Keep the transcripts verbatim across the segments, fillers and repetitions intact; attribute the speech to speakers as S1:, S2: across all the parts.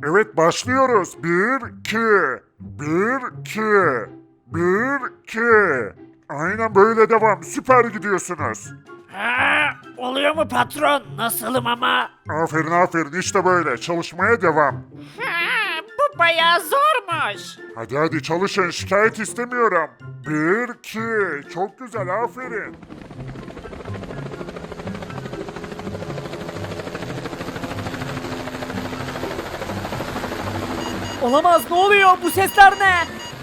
S1: Evet başlıyoruz. Bir, iki. Bir, iki. Bir, iki. Aynen böyle devam. Süper gidiyorsunuz.
S2: Ha, oluyor mu patron? Nasılım ama?
S1: Aferin aferin işte böyle. Çalışmaya devam.
S2: Ha, bu bayağı zormuş.
S1: Hadi hadi çalışın. Şikayet istemiyorum. Bir, iki. Çok güzel aferin.
S3: Olamaz, ne oluyor? Bu sesler ne?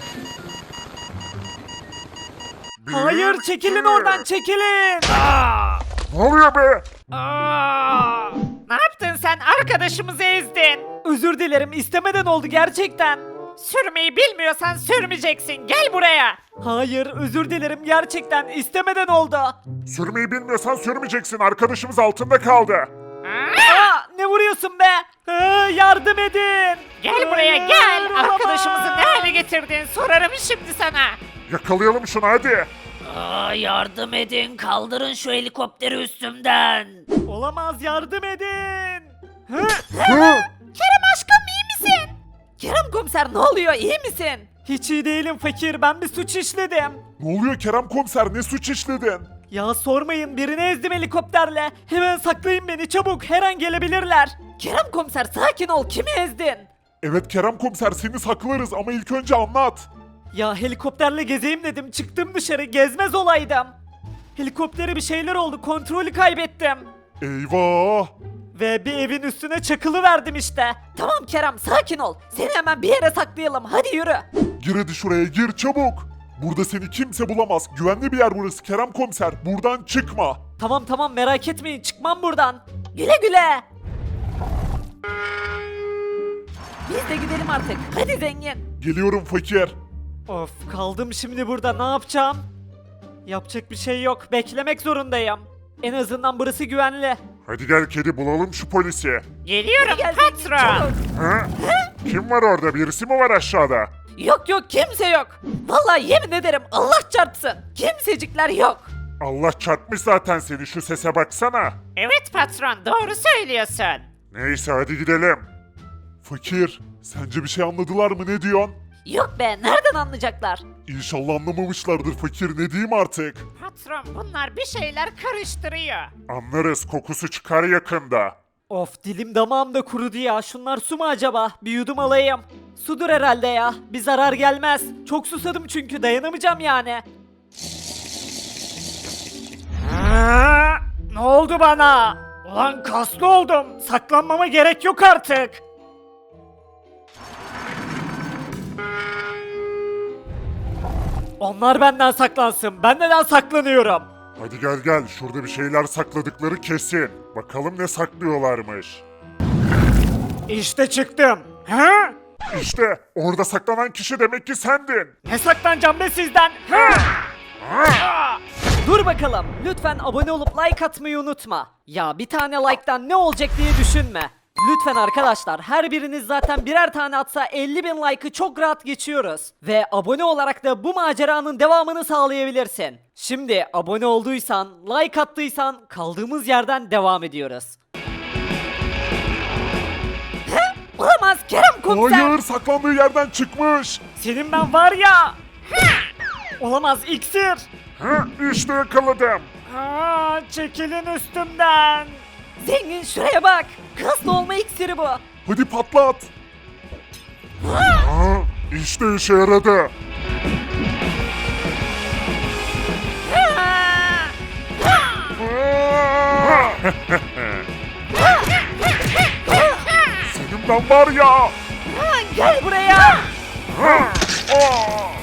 S1: Bir,
S3: Hayır, çekilin
S1: iki.
S3: oradan, çekilin.
S2: Aa,
S1: Ne oluyor be?
S2: aa. Ne yaptın sen? Arkadaşımızı ezdin.
S3: Özür dilerim, istemeden oldu gerçekten.
S2: Sürmeyi bilmiyorsan sürmeyeceksin. Gel buraya.
S3: Hayır, özür dilerim gerçekten, istemeden oldu.
S1: Sürmeyi bilmiyorsan sürmeyeceksin. Arkadaşımız altında kaldı.
S2: Aa,
S3: Aa, ne vuruyorsun be? Aa, yardım edin.
S2: gel buraya
S3: Hayır,
S2: gel.
S3: olamaz.
S2: Arkadaşımızı ne hale getirdin? Sorarım şimdi sana.
S1: Yakalayalım şunu hadi.
S2: Aa, yardım edin. Kaldırın şu helikopteri üstümden.
S3: Olamaz, yardım edin. Hı?
S1: Hı?
S3: Kerem aşkım, iyi misin? Kerem komiser, ne oluyor, iyi misin? Hiç iyi değilim fakir, ben bir suç işledim.
S1: Ne oluyor Kerem komiser? Ne suç işledin?
S3: Ya sormayın, birini ezdim helikopterle. Hemen saklayın beni, çabuk, her an gelebilirler. Kerem komiser, sakin ol, kimi ezdin?
S1: Evet Kerem komiser seni saklarız ama ilk önce anlat.
S3: Ya helikopterle gezeyim dedim, çıktım dışarı, gezmez olaydım. Helikoptere bir şeyler oldu, kontrolü kaybettim.
S1: Eyvah!
S3: Ve bir evin üstüne çakılı verdim işte. Tamam Kerem, sakin ol. Seni hemen bir yere saklayalım, hadi yürü.
S1: Gir hadi şuraya gir çabuk. Burada seni kimse bulamaz. Güvenli bir yer burası Kerem komiser. Buradan çıkma.
S3: Tamam tamam, merak etmeyin, çıkmam buradan. Güle güle. Biz de gidelim artık. Hadi zengin.
S1: Geliyorum fakir.
S3: Of, kaldım şimdi burada, ne yapacağım? Yapacak bir şey yok, beklemek zorundayım. En azından burası güvenli.
S1: Hadi gel kedi bulalım şu polisi.
S2: Geliyorum
S3: Gel zengin,
S2: patron.
S3: çabuk.
S1: Ha? Kim var orada? Birisi mi var aşağıda?
S3: Yok yok, kimse yok. Vallahi yemin ederim, Allah çarpsın. Kimsecikler yok.
S1: Allah çarpmış zaten seni. Şu sese baksana.
S2: Evet patron, doğru söylüyorsun.
S1: Neyse hadi gidelim. Fakir, sence bir şey anladılar mı? Ne diyorsun?
S3: Yok be, nereden anlayacaklar?
S1: İnşallah anlamamışlardır fakir. Ne diyeyim artık?
S2: Patron, bunlar bir şeyler karıştırıyor.
S1: Anlarız. Kokusu çıkar yakında.
S3: Of, dilim damağım da kurudu ya. Şunlar su mu acaba? Bir yudum alayım. Sudur herhalde ya. Bir zarar gelmez. Çok susadım çünkü, dayanamayacağım yani.
S2: Aa, ne oldu bana? Ulan kaslı oldum. Saklanmama gerek yok artık.
S3: Onlar benden saklansın. Ben neden saklanıyorum?
S1: Hadi gel gel. Şurada bir şeyler sakladıkları kesin. Bakalım ne saklıyorlarmış.
S2: İşte çıktım. Ha?
S1: İşte orada saklanan kişi demek ki sendin.
S2: Ne saklanacağım be sizden? Ha? Aa!
S3: Dur bakalım. Lütfen abone olup like atmayı unutma. Ya bir tane like'tan ne olacak diye düşünme. Lütfen arkadaşlar, her biriniz zaten birer tane atsa elli bin like'ı çok rahat geçiyoruz. Ve abone olarak da bu maceranın devamını sağlayabilirsin. Şimdi abone olduysan, like attıysan kaldığımız yerden devam ediyoruz. Olamaz, Kerem komiser.
S1: Hayır saklandığı yerden çıkmış.
S3: Senin ben var ya. Olamaz, iksir.
S1: Ha, işte yakaladım.
S2: Aa, çekilin üstümden.
S3: Zengin, şuraya bak. Kaslı olma iksiri bu.
S1: Hadi patlat. Ha, işte işe yaradı. Aa! Senin ben var ya.
S3: Gel buraya.
S1: Ha, aa!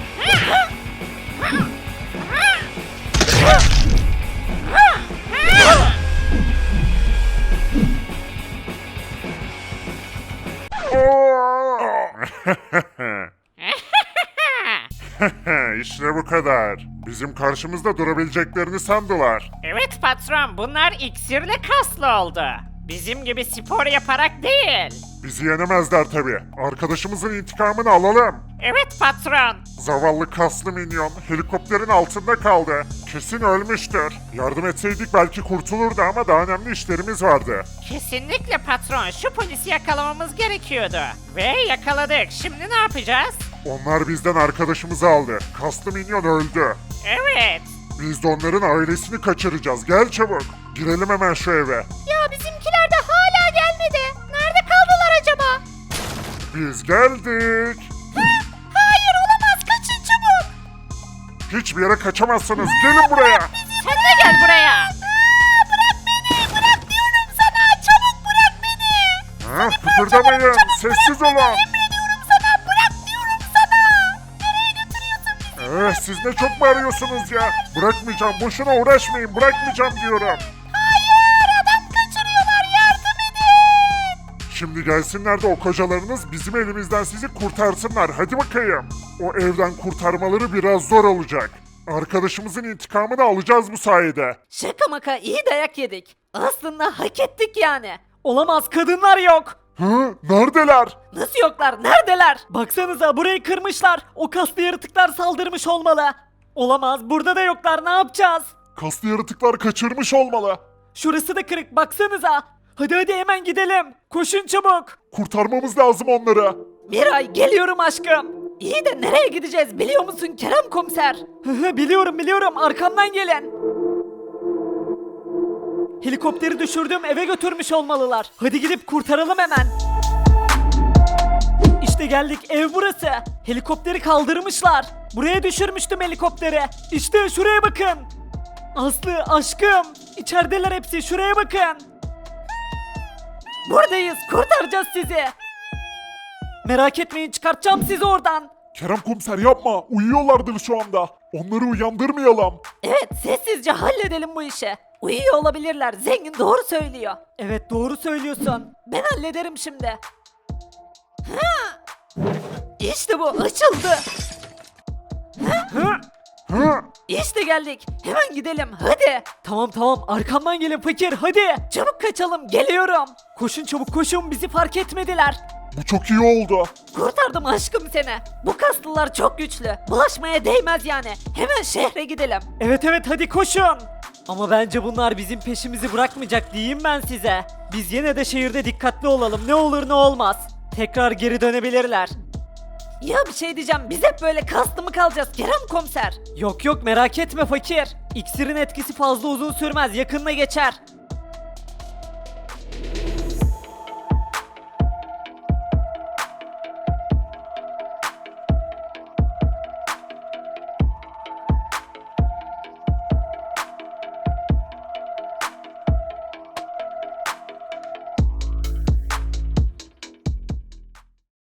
S1: İşte bu kadar. Bizim karşımızda durabileceklerini sandılar.
S2: Evet patron, bunlar iksirle kaslı oldu. Bizim gibi spor yaparak değil.
S1: Bizi yenemezler tabi. Arkadaşımızın intikamını alalım.
S2: Evet patron.
S1: Zavallı kaslı minyon helikopterin altında kaldı. Kesin ölmüştür. Yardım etseydik belki kurtulurdu ama daha önemli işlerimiz vardı.
S2: Kesinlikle patron. Şu polisi yakalamamız gerekiyordu. Ve yakaladık. Şimdi ne yapacağız?
S1: Onlar bizden arkadaşımızı aldı. Kaslı minyon öldü.
S2: Evet.
S1: Biz de onların ailesini kaçıracağız. Gel çabuk. Girelim hemen şu eve.
S2: Ya bizimkiler de hala gelmedi. Nerede kaldılar acaba?
S1: Biz geldik.
S2: Hayır olamaz. Kaçın çabuk.
S1: Hiçbir yere kaçamazsınız. Gelin buraya.
S2: Sen de gel buraya. Bırak beni. Bırak diyorum sana. Çabuk bırak beni.
S1: Ha, kıpırdamayın. Sessiz olun.
S2: Emrediyorum sana. Bırak diyorum sana. Nereye götürüyorsun bizi?
S1: Eh, siz ne çok bağırıyorsunuz ya. Bırakmayacağım. Boşuna uğraşmayın. Bırakmayacağım diyorum.
S2: Hayır adam kaçırıyorlar. Yardım edin.
S1: Şimdi gelsinler de o kocalarınız bizim elimizden sizi kurtarsınlar. Hadi bakayım. O evden kurtarmaları biraz zor olacak. Arkadaşımızın intikamını alacağız bu sayede.
S3: Şaka maka iyi dayak yedik. Aslında hak ettik yani. Olamaz, kadınlar yok.
S1: Hı? Neredeler?
S3: Nasıl yoklar? Neredeler? Baksanıza burayı kırmışlar. O kaslı yaratıklar saldırmış olmalı. Olamaz, burada da yoklar. Ne yapacağız?
S1: Kaslı yaratıklar kaçırmış olmalı.
S3: Şurası da kırık, baksanıza. Hadi hadi hemen gidelim. Koşun çabuk.
S1: Kurtarmamız lazım onları.
S3: Miray, geliyorum aşkım. İyi de nereye gideceğiz biliyor musun Kerem komiser? Hı hı, biliyorum biliyorum, arkamdan gelin. Helikopteri düşürdüm, eve götürmüş olmalılar. Hadi gidip kurtaralım hemen. İşte geldik, ev burası. Helikopteri kaldırmışlar. Buraya düşürmüştüm helikopteri. İşte şuraya bakın. Aslı, aşkım. İçerideler hepsi, şuraya bakın. Buradayız, kurtaracağız sizi. Merak etmeyin, çıkartacağım sizi oradan.
S1: Kerem komiser yapma. Uyuyorlardır şu anda. Onları uyandırmayalım.
S3: Evet, sessizce halledelim bu işi. Uyuyor olabilirler, zengin doğru söylüyor. Evet, doğru söylüyorsun. Ben hallederim şimdi. Ha! İşte bu, açıldı.
S1: Hı? Hı?
S3: İşte geldik. Hemen gidelim, hadi. Tamam tamam, arkamdan gelin fakir, hadi. Çabuk kaçalım, geliyorum. Koşun çabuk koşun, bizi fark etmediler.
S1: Bu çok iyi oldu.
S3: Kurtardım aşkım seni. Bu kaslılar çok güçlü. Bulaşmaya değmez yani. Hemen şehre gidelim. Evet evet, hadi koşun. Ama bence bunlar bizim peşimizi bırakmayacak diyeyim ben size. Biz yine de şehirde dikkatli olalım. Ne olur ne olmaz. Tekrar geri dönebilirler. Ya bir şey diyeceğim, biz hep böyle kaslı mı kalacağız Kerem komiser? Yok yok, merak etme fakir. İksirin etkisi fazla uzun sürmez, yakında geçer.